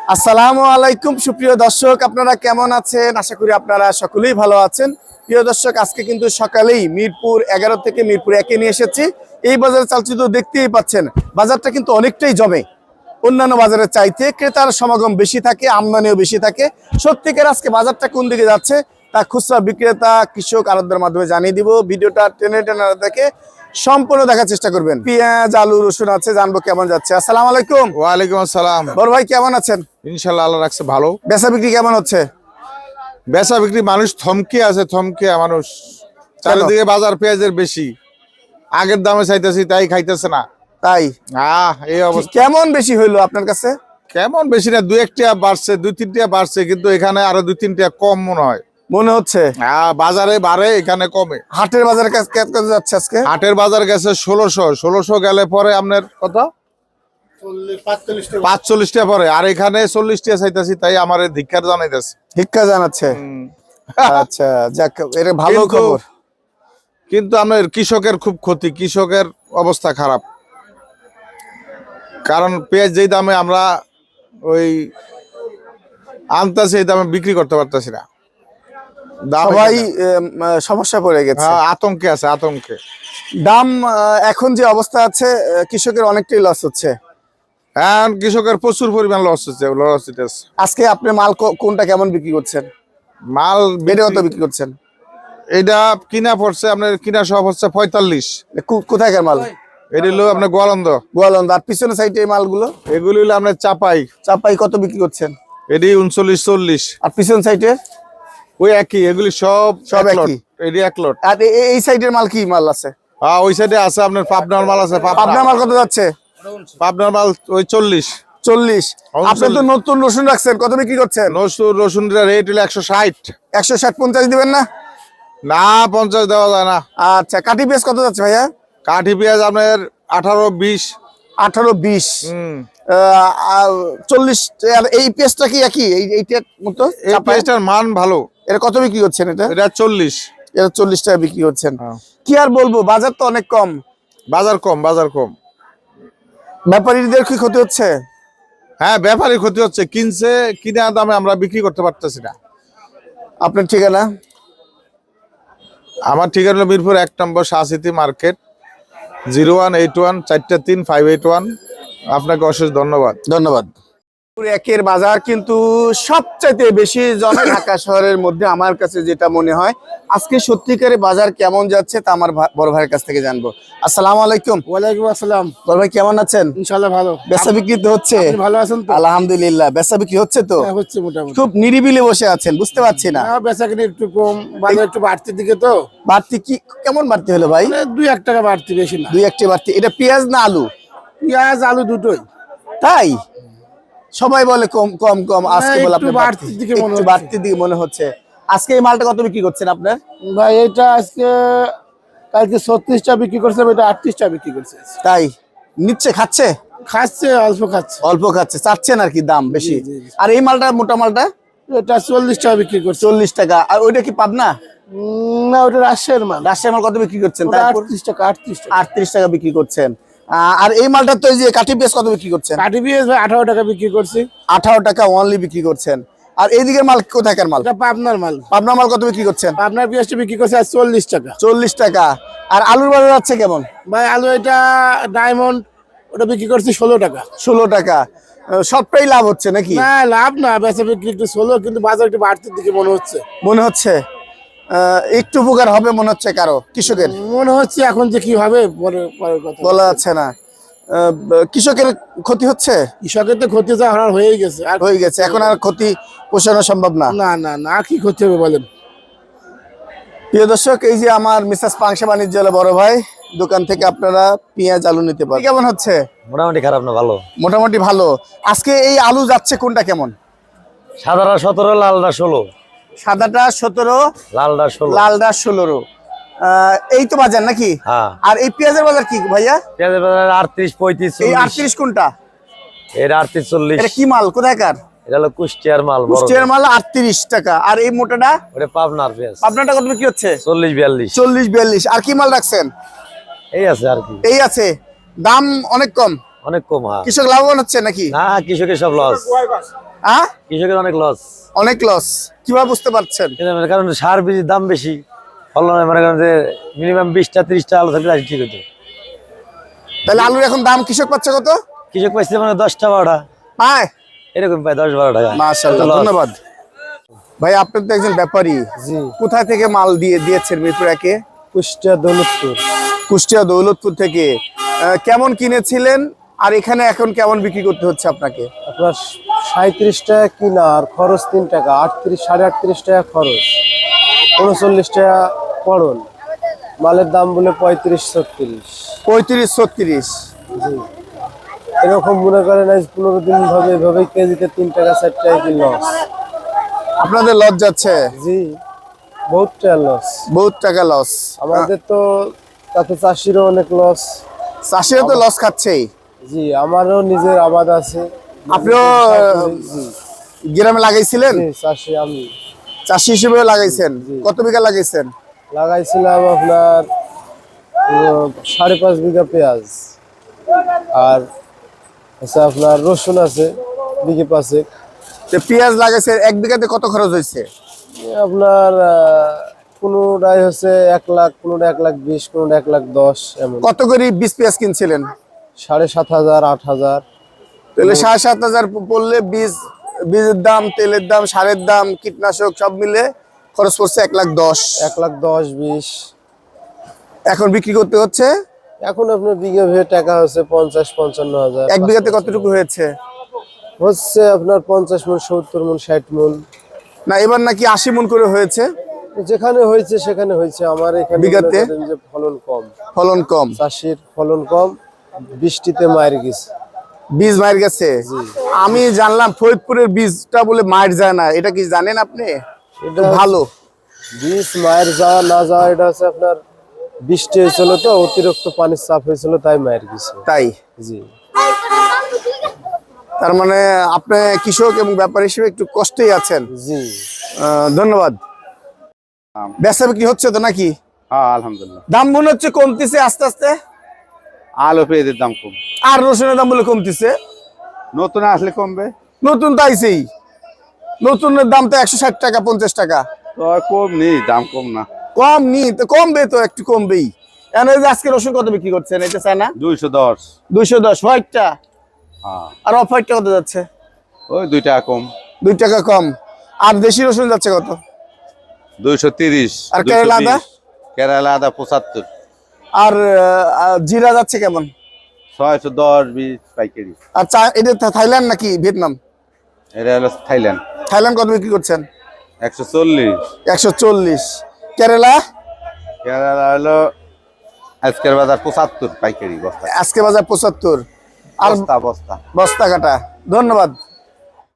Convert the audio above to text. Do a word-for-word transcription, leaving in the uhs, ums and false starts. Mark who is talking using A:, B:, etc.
A: আসসালামু আলাইকুম সুপ্রিয় দর্শক, আপনারা কেমন আছেন? আশা করি আপনারা সকলেই ভালো আছেন। প্রিয় দর্শক, আজকে কিন্তু সকালেই মিরপুর এগারো থেকে মিরপুর একে নিয়ে এসেছি। এই বাজারে চালচিত্র দেখতেই পাচ্ছেন, বাজারটা কিন্তু অনেকটাই জমে। অন্যান্য বাজারের চাইতে ক্রেতার সমাগম বেশি থাকে, আমদানিও বেশি থাকে। সত্যিকার আজকে বাজারটা কোন দিকে যাচ্ছে তা খুচরা বিক্রেতা, কৃষক, আড়তদারের মাধ্যমে জানিয়ে দিব। ভিডিওটা টেনে টেনে দেখে সম্পূর্ণ দেখার চেষ্টা করবেন। পেঁয়াজ, আলু, রসুন আছে, জানবো কেমন যাচ্ছে। আসসালামু আলাইকুম।
B: ওয়ালাইকুম আসসালাম।
A: বড় ভাই কেমন আছেন?
B: ইনশাল্লাহ আল্লাহ রাখছে ভালো।
A: বেচা বিক্রি কেমন হচ্ছে?
B: বেচা বিক্রি মানুষ থমকে আছে, থমকে মানুষ। চারিদিকে বাজার পেঁয়াজের বেশি, আগের দামে চাইতেছি তাই খাইতেছে না।
A: তাই
B: আহ এই অবস্থা।
A: কেমন বেশি হইলো আপনার কাছে?
B: কেমন বেশি না, দুই একটা বাড়ছে, দুই তিনটা বাড়ছে, কিন্তু এখানে আরো দুই তিনটা কম মনে হয়।
A: মনে হচ্ছে
B: হ্যাঁ, বাজারে বাড়ে, এখানে কমে।
A: হাটের বাজারে কত যাচ্ছে আজকে?
B: হাটের বাজার গেছে ষোলোশো ষোলোশো গেলে পরে আপনার কত পাঁচচল্লিশ টাকা পরে, আর এখানে চল্লিশ টাকা চাইতেছি, তাই আমার ধিক্কার জানাইতেছে।
A: ভিক্ষা জানাচ্ছে। আচ্ছা, যাক, এটা ভালো
B: কিন্তু-
A: খবর।
B: কিন্তু আমার কৃষকের খুব ক্ষতি, কৃষকের অবস্থা খারাপ। কারণ পেঁয়াজ যেই দামে আমরা ওই আনতেছি, এই দামে বিক্রি করতে পারতেছি না। দাম
A: সবাই
B: এখানে-
A: এম, আহ, সমস্যা পড়ে গেছে।
B: হ্যাঁ, আতঙ্কে আছে, আতঙ্কে।
A: দাম আহ, এখন যে অবস্থা আছে, আহ, কৃষকের অনেকটাই লস হচ্ছে।
B: হ্যাঁ, কৃষকের প্রচুর পরিমাণ লস হচ্ছে, লস হইতেছে।
A: আজকে আপনি মাল কো- কোনটা কেমন বিক্রি করছেন?
B: মাল
A: বেড়ে কত
B: বিক্রি-
A: বিক্রি করছেন?
B: এটা কিনা পড়ছে আপনার, কিনা সব হচ্ছে পঁয়তাল্লিশ।
A: কো- কোথাকার মাল?
B: এটি হলো আপনার গোয়ালন্দ।
A: গোয়ালন্দ। আর পিছনে সাইডে এই মালগুলো
B: এগুলি হলো আপনার চাপাই,
A: চাপাই কত বিক্রি করছেন?
B: এটি উনচল্লিশ চল্লিশ।
A: আর পিছন সাইডে
B: ওই একই, এগুলি সব
A: সব
B: এক লট।
A: একই?
B: এটি এক লট।
A: আর এ- এ- এই সাইডের মাল কি মাল আছে?
B: হ্যাঁ, ওই সাইডে আছে আপনার পাবনার মাল আছে।
A: আপনার
B: পাবনা
A: মাল কত যাচ্ছে?
B: পাবনার মাল ওই চল্লিশ।
A: চল্লিশ।
B: উনচল্লিশ।
A: আপনি তো নতুন রসুন রাখছেন, কত বিক্রি করছেন?
B: রসুন রসুন রেট হলো একশো ষাট।
A: একশো ষাট পঞ্চাশ দিবেন না?
B: না, পঞ্চাশ দেওয়া যায় না।
A: আচ্ছা, কাঠি পেঁয়াজ কত যাচ্ছে ভাইয়া?
B: কাঠি পেঁয়াজ আপনার আঠারো বিশ।
A: আঠারো বিশ।
B: হম
A: চল্লিশ। আর এই পেঁয়াজটা কি একই এই এইটার মতো?
B: এই পেঁয়াজটার মান ভালো।
A: এটা কত বিক্রি করছেন? এটা
B: এটা চল্লিশ।
A: এটা চল্লিশ টাকা বিক্রি করছেন।
B: হ্যাঁ।
A: কি আর বলবো, বাজার তো অনেক কম।
B: বাজার কম, বাজার কম।
A: ব্যাপারীদের কি ক্ষতি হচ্ছে?
B: হ্যাঁ, ব্যাপারী ক্ষতি হচ্ছে, কিনছে, কিনা দামে আমরা বিক্রি করতে পারতেছি না।
A: আপনার ঠিকানা?
B: আমার ঠিকানা হলো মিরপুর এক নম্বর Shah City market, zero one eight one চারটা তিন ফাইভ এইট ওয়ান। আপনাকে অশেষ ধন্যবাদ।
A: ধন্যবাদ। একের বাজার কিন্তু সবচাইতে বেশি জমে ঢাকা শহরের মধ্যে। আমার কাছে যেটা মনে হয়, আজকে সত্যিকারের বাজার কেমন যাচ্ছে তা আমার ভা- বড় ভাইয়ের কাছ থেকে জানবো। আসসালামু আলাইকুম।
C: ওয়ালাইকুম আসসালাম।
A: বড় ভাই কেমন আছেন?
C: ইনশাআল্লাহ ভালো।
A: বেচা বিক্রি তো হচ্ছে?
C: আপনি ভালো আছেন তো?
A: আলহামদুলিল্লাহ, বেচা বিক্রি হচ্ছে তো?
C: হ্যাঁ, হচ্ছে মোটামুটি।
A: খুব নিরিবিলি বসে আছেন, বুঝতে পারছি না।
C: হ্যাঁ, বেচাকেনি একটু কম, বাজার একটু বাড়তির দিকে তো।
A: বাড়তি কি কেমন বাড়তি হলো ভাই?
C: মানে দুই এক টাকা বাড়তি, বেশি না।
A: দুই একটি বাড়তি। এটা পেঁয়াজ না আলু?
C: পেঁয়াজ আলু দুটোই।
A: তাই সবাই বলে কম কম কম, আজকে
C: না,
A: বলে
C: একটু
A: আপনার বাড়তি
C: বাড়তির দিকে মনে
A: একটু
C: হচ্ছে।
A: বাড়তির দিকে মনে হচ্ছে। আজকে এই মালটা কত বিক্রি করছেন আপনার?
C: ভাই এটা আজকে কালকে ছত্রিশ টাকা বিক্রি করছে, এটা আটত্রিশ টাকা বিক্রি করছে।
A: তাই নিচ্ছে, খাচ্ছে?
C: খাচ্ছে, অল্প খাচ্ছে।
A: অল্প খাচ্ছে, চাচ্ছেন আর কি দাম বেশি।
C: জি, জি।
A: আর এই মালটা, মোটা মালটা
C: এটা চল্লিশ টাকা বিক্রি করছে।
A: চল্লিশ টাকা। আর ওইটা কি পাবনা?
C: উম, না, ওটা রাজশাহীর মাল।
A: রাজশাহী মাল কত বিক্রি করছেন?
C: ওটা
A: তারপর
C: আটত্রিশ টাকা আটত্রিশ টাকা।
A: আটত্রিশ টাকা বিক্রি করছেন। আহ, আর এই মালটা তো এই যে কাঠি পেঁয়াজ কত বিক্রি করছেন?
C: কাঠি পেঁয়াজ ভাই আঠারো টাকা বিক্রি করছি।
A: আঠারো টাকা অনলি বিক্রি করছেন। আর এইদিকের মাল কোথাকার মাল?
C: এটা পাবনার মাল।
A: পাবনা মাল কত বিক্রি করছেন?
C: পাবনার পেঁয়াজটা বিক্রি করছে আজ চল্লিশ টাকা।
A: চল্লিশ টাকা। আর আলুর বাজার যাচ্ছে কেমন?
C: ভাই আলু এটা ডায়মন্ড, ওটা বিক্রি করছি ষোলো টাকা।
A: ষোলো টাকা। আহ, সবটাই লাভ হচ্ছে নাকি?
C: না, লাভ না, বেচা বিক্রি একটু ষোলো, কিন্তু বাজার একটু বাড়তির দিকে মনে হচ্ছে।
A: মনে হচ্ছে আহ, একটু উপকার হবে মনে হচ্ছে কারো কৃষকের?
C: মনে হচ্ছে এখন যে কি হবে পরে পরের কথা
A: বলা যাচ্ছে না। আহ, কৃষকের ক্ষতি হচ্ছে?
C: কৃষকের তো ক্ষতি তো হারার হয়েই গেছে, আর
A: হয়ে গেছে, এখন আর ক্ষতি পোষানো সম্ভব না।
C: না না না, আর কি ক্ষতি হবে বলেন?
A: প্রিয় দর্শক, এই যে আমার মিসেস পাংশা বাণিজ্যালয় বড় ভাই দোকান থেকে আপনারা পেঁয়াজ আলু নিতে পারেন। কেমন হচ্ছে?
D: মোটামুটি খারাপ না, ভালো।
A: মোটামুটি ভালো। আজকে এই আলু যাচ্ছে কোনটা কেমন?
D: সাদাটা সতেরো, লালটা ষোলো।
A: সাদাটা সতেরো,
D: লালটা ষোলো।
A: লালটা ষোলো। আহ, এই তো বাজার নাকি?
D: হ্যাঁ।
A: আর এই পেঁয়াজের বাজার কি ভাইয়া?
D: পেঁয়াজের বাজার আটত্রিশ পঁয়ত্রিশ
A: এই
D: চল্লিশ।
A: আটত্রিশ কোনটা?
D: এটা আটত্রিশ চল্লিশ।
A: এটা কি মাল, কোথাকার?
D: এটা হলো কুষ্টিয়ার মাল, বড়
A: কুষ্টিয়ার মাল আটত্রিশ টাকা। আর এই মোটাটা?
D: ওটা পাবনার পেঁয়াজ
A: আপনারটা কত বিক্রি হচ্ছে?
D: চল্লিশ বিয়াল্লিশ।
A: চল্লিশ বিয়াল্লিশ। আর কি মাল রাখছেন?
D: এই আছে আর কি,
A: এই আছে, দাম অনেক কম।
D: অনেক কম। হ্যাঁ
A: কৃষক লাভবান হচ্ছে নাকি?
D: না, কৃষকের সব লস।
A: হ্যাঁ,
D: কৃষকের অনেক লস।
A: অনেক লস। কিভাবে বুঝতে পারছেন?
D: কারণ সার বীজের দাম বেশি, ফলন মনে করেন যে মিনিমাম বিশটা ত্রিশটা আলু থাকলে আজ ঠিক হতো।
A: তাহলে আলুর এখন দাম কৃষক পাচ্ছে কত?
D: কৃষক পাইছে মানে দশটা বারোটা
A: পায়,
D: এরকম পায়, দশ বারো টাকা।
A: মাশাআল্লাহ,
D: লস।
A: ধন্যবাদ ভাই। আপনি তো একজন ব্যাপারী,
C: জি,
A: কোথায় থেকে মাল দিয়ে দিয়েছেন মিরপুর একে?
C: কুষ্টিয়া দৌলতপুর।
A: কুষ্টিয়া দৌলতপুর থেকে। আহ, কেমন কিনেছিলেন আর এখানে এখন কেমন বিক্রি করতে হচ্ছে আপনাকে?
C: আপনার সাঁত্রিশ টাকা কিনা আর খরচ তিন টাকা, আটত্রিশ সাড়ে আটত্রিশ টাকা খরচ, উনচল্লিশ টাকা পড়ন। মালের দাম বলে পঁয়ত্রিশ ছত্রিশ।
A: পঁয়ত্রিশ ছত্রিশ।
C: জি, এরকম মনে করেন আজ পনেরো দিন ভাবে এভাবে কেজিতে তিন টাকা চার টাকা কি লস।
A: আপনাদের লস যাচ্ছে?
C: জি, বহুত টাকা লস।
A: বহুত টাকা লস।
C: আমাদের তো তাতে চাষিরও অনেক লস।
A: চাষিরা তো লস খাচ্ছেই।
C: জি, আমারও নিজের আবাদ আছে।
A: আপনিও
C: জি,
A: গ্রামে লাগাইছিলেন?
C: জি, চাষি আমি।
A: চাষি হিসেবে লাগাইছেন? কত বিঘা লাগাইছেন?
C: লাগাইছিলাম আপনার উম, সাড়ে পাঁচ বিঘা পেঁয়াজ, আর আচ্ছা আপনার রসুন আছে বিঘে পাঁচেক।
A: তো পেঁয়াজ লাগাইছে, এক বিঘাতে কত খরচ হয়েছে?
C: এ আপনার আহ, কোনোটাই হচ্ছে এক লাখ, কোনোটা এক লাখ বিশ, কোনোটা এক লাখ দশ, এমন।
A: কত করে বীজ পেঁয়াজ কিনছিলেন?
C: সাড়ে সাত হাজার আট হাজার।
A: তাহলে সাড়ে সাত হাজার পড়লে বীজ, বীজের দাম, তেলের দাম, সারের দাম, কীটনাশক সব মিলে খরচ পড়ছে এক লাখ দশ।
C: এক লাখ দশ বিশ।
A: এখন বিক্রি করতে হচ্ছে
C: এখন আপনার বিঘে ভেবে টাকা হচ্ছে পঞ্চাশ পঞ্চান্ন হাজার।
A: এক বিঘাতে কতটুকু হয়েছে?
C: হচ্ছে আপনার পঞ্চাশ মন, সত্তর মন, ষাট মন।
A: না, এবার নাকি আশি মন করে হয়েছে।
C: যেখানে হয়েছে সেখানে হয়েছে। আমার এখানে
A: বিঘাতে?
C: মনে করেন যে ফলন কম,
A: ফলন কম,
C: চাষির ফলন কম, বৃষ্টিতে মায়ের গেছে।
A: বীজ মায়ের গেছে। আমি জানলাম ফরিদপুরের বীজটা বলে মায়ের যায় না, এটা কি জানেন আপনি?
C: এটা
A: ভালো
C: বীজ মায়ের যাওয়া না যাওয়া এটা হচ্ছে আপনার বৃষ্টি হয়েছিল তো, অতিরিক্ত পানির চাপ হয়েছিল তাই মায়ের গেছে।
A: তাই?
C: জি,
A: তার মানে আপনি কৃষক এবং ব্যাপারী হিসেবে একটু কষ্টেই আছেন।
C: জি।
A: আহ, ধন্যবাদ। বেচা বিক্রি হচ্ছে তো নাকি?
E: হ্যাঁ আলহামদুলিল্লাহ।
A: দাম মনে হচ্ছে কমতিছে আস্তে আস্তে।
E: আলু পেঁয়াজের দাম কম,
A: আর রসুনের দাম বলে কমতিছে।
E: নতুন আসলে কমবে।
A: নতুন তো আইছেই, নতুনের দাম তো একশো ষাট টাকা পঞ্চাশ টাকা।
E: তো আর কম নেই, দাম কম না।
A: কম নি তো, কমবে তো, একটু কমবেই। এখন এই যে আজকে রসুন কত বিক্রি করছেন এটা চায় না?
E: দুইশো দশ।
A: দুইশো দশ হোয়াইটটা,
E: হ্যাঁ
A: আর অফ হোয়াইটটা কত যাচ্ছে?
E: ওই দুই টাকা কম।
A: দুই টাকা কম। আর দেশি রসুন যাচ্ছে কত?
E: দুইশো তিরিশ।
A: আর কেরালা আদা?
E: কেরালা আদা পঁচাত্তর।
A: আর আহ, জিরা যাচ্ছে কেমন?
E: ছয়শো দশ বিশ পাইকারি।
A: আর চা, এটা থা- থাইল্যান্ড নাকি ভিয়েতনাম?
E: এটা হলো থাইল্যান্ড।
A: থাইল্যান্ড কত বিক্রি করছেন?
E: একশো চল্লিশ।
A: একশো চল্লিশ। কেরালা?
E: কেরালা হলো আজকের বাজার পঁচাত্তর পাইকারি বস্তা।
A: আজকে বাজার পঁচাত্তর। আর
E: বস্তা বস্তা।
A: বস্তা কাটা। ধন্যবাদ।